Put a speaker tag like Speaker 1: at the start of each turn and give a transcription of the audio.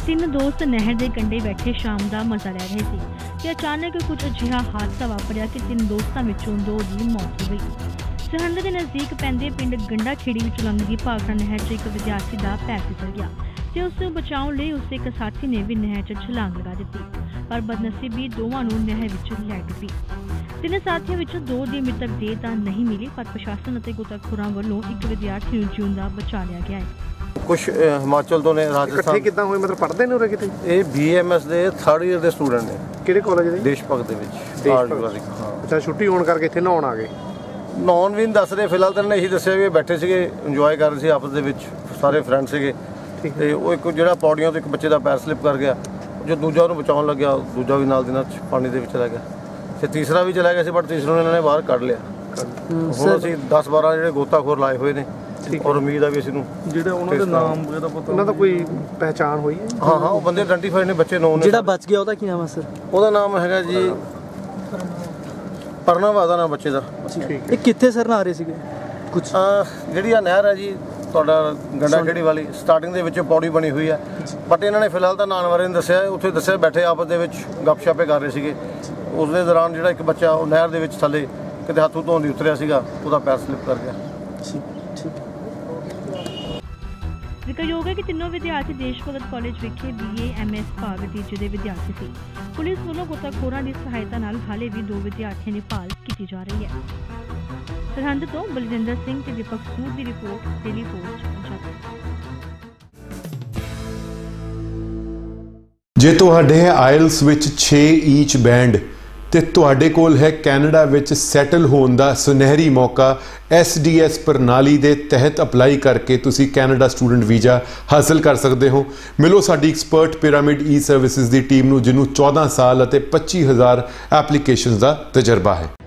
Speaker 1: तीन दोस्त नहर के कंढे बैठे शाम का मजा लै रहे थे कि अचानक कुछ अजिहा हादसा वापरिया कि तीन दोस्तों विचों दो की मौत हो गई। सरहंद के नज़दीक पैंदे पिंड गंडा खेड़ी विच लंघदी भाखड़ा नहर च एक विद्यार्थी का पैर फिसल गया ते उस बचाने लई उसके एक साथी ने भी नहर च छलांग लगा दी, पर बदनसीबी दोवां नूं नहर विच लै डुੱਬी। तीन साथियों विच दो दी मृतक देह तां नहीं मिली, पर प्रशासन अते गोताखोरां वल्लों एक विद्यार्थी नूं जिउंदा बचा लिया गया है।
Speaker 2: कुछ हिमाचल तो ने राजस्थान
Speaker 3: कितना होए मतलब पढ़ते ने उरे किते
Speaker 2: ये BMS दे 3rd ईयर के स्टूडेंट ने
Speaker 3: किहड़े कॉलेज दे
Speaker 2: देश भगत दे विच।
Speaker 3: हां अच्छा छुट्टी होने करके इत्थे नहाउण आ गए।
Speaker 2: नॉन भी नहीं दस रहे फिलहाल तो यही दस्सिया भी बैठे सीगे इंजॉय कर रहे थे आपस दे विच सारे फ्रेंड सीगे ते वो एक जिहड़ा पौड़ियों तो एक बच्चे का पैर स्लिप कर गया जो दूजा उन्होंने बचाउण लग्या दूजा भी नाल दी नाल पानी दे विच चला गया ते तीसरा भी चला गया सी, बट तीसरे इन्होंने बाहर कढ़ लिया। हुण असीं 10-12 जिहड़े गोताखोर लाए हुए ने और उम्मीद है भी इस नूं जिहड़ा उन्हां दे नाम वगैरह पता
Speaker 3: उन्हां दा कोई पहचान होई है।
Speaker 2: हाँ हाँ वो बंदे आइडेंटिफाइड ने बच्चे नौ ने।
Speaker 4: जिहड़ा बच गया ਉਹਦਾ ਕੀ ਨਾਮ ਹੈ ਸਰ?
Speaker 2: ਉਹਦਾ ਨਾਮ ਹੈਗਾ ਜੀ ਪਰਨਾਵਾ ਦਾ ਨਾਮ ਬੱਚੇ ਦਾ।
Speaker 4: ਇਹ ਕਿੱਥੇ ਸਰ ਨਾ ਰਹੇ ਸੀਗੇ ਕੁਝ?
Speaker 2: ਜਿਹੜੀ ਆ ਨਹਿਰ ਹੈ ਜੀ ਤੁਹਾਡਾ ਗੰਡਾ ਖੇੜੀ ਵਾਲੀ ਸਟਾਰਟਿੰਗ ਦੇ ਵਿੱਚ ਪੌੜੀ ਬਣੀ ਹੋਈ ਹੈ, ਬਟ ਇਹਨਾਂ ਨੇ ਫਿਲਹਾਲ ਤਾਂ ਨਾਨ ਬਾਰੇ ਨਹੀਂ ਦੱਸਿਆ। ਉੱਥੇ ਦੱਸਿਆ ਬੈਠੇ ਆਪਸ ਦੇ ਵਿੱਚ ਗੱਪਸ਼ਾਪੇ ਕਰ ਰਹੇ ਸੀਗੇ। ਉਸ ਦੇ ਦੌਰਾਨ ਜਿਹੜਾ ਇੱਕ ਬੱਚਾ ਉਹ ਨਹਿਰ ਦੇ ਵਿੱਚ ਥੱਲੇ ਕਿਤੇ ਹੱਥੋਂ ਧੋਣ ਦੀ ਉਤਰਿਆ ਸੀਗਾ, ਉਹਦਾ ਪੈਰ ਸਲਿਪ ਕਰ ਗਿਆ।
Speaker 1: ਜ਼ਿਕਰਯੋਗ ਹੈ ਕਿ ਤਿੰਨੋਂ ਵਿਦਿਆਰਥੀ ਦੇਸ਼ ਭਗਤ ਕਾਲਜ ਵਿਖੇ BA MS ਭਾਗ ਤੀਜੇ ਦੇ ਵਿਦਿਆਰਥੀ ਸੀ। ਪੁਲਿਸ ਵੱਲੋਂ ਗੋਤਾਖੋਰਾਂ ਦੀ ਸਹਾਇਤਾ ਨਾਲ ਹਾਲੇ ਵੀ ਦੋ ਵਿਦਿਆਰਥੀਆਂ ਦੀ ਭਾਲ ਕੀਤੀ ਜਾ ਰਹੀ ਹੈ। ਸਰਹੰਦ ਤੋਂ ਬਲਜਿੰਦਰ ਸਿੰਘ ਤੇ ਦੀਪਕ ਸੂਦ ਦੀ ਰਿਪੋਰਟ, ਡੇਲੀ ਪੋਸਟ ਪੰਜਾਬੀ।
Speaker 5: ਜੇ ਤੁਹਾਡੇ ਆਇਲਸ ਵਿੱਚ 6 ਈਚ ਬੈਂਡ ਤੇ ਤੁਹਾਡੇ ਕੋਲ ਹੈ ਕੈਨੇਡਾ ਵਿੱਚ ਸੈਟਲ ਹੋਣ ਦਾ ਸੁਨਹਿਰੀ ਮੌਕਾ, SDS ਪ੍ਰਣਾਲੀ ਦੇ ਤਹਿਤ ਅਪਲਾਈ ਕਰਕੇ ਤੁਸੀਂ ਕੈਨੇਡਾ ਸਟੂਡੈਂਟ ਵੀਜ਼ਾ ਹਾਸਲ ਕਰ ਸਕਦੇ ਹੋ। ਮਿਲੋ ਸਾਡੀ ਐਕਸਪਰਟ ਪਿਰਾਮਿਡ ਈ ਸਰਵਿਸਿਜ਼ ਦੀ ਟੀਮ ਨੂੰ, ਜਿਹਨੂੰ 14 ਸਾਲ ਅਤੇ 25,000 ਐਪਲੀਕੇਸ਼ਨਸ ਦਾ ਤਜਰਬਾ ਹੈ।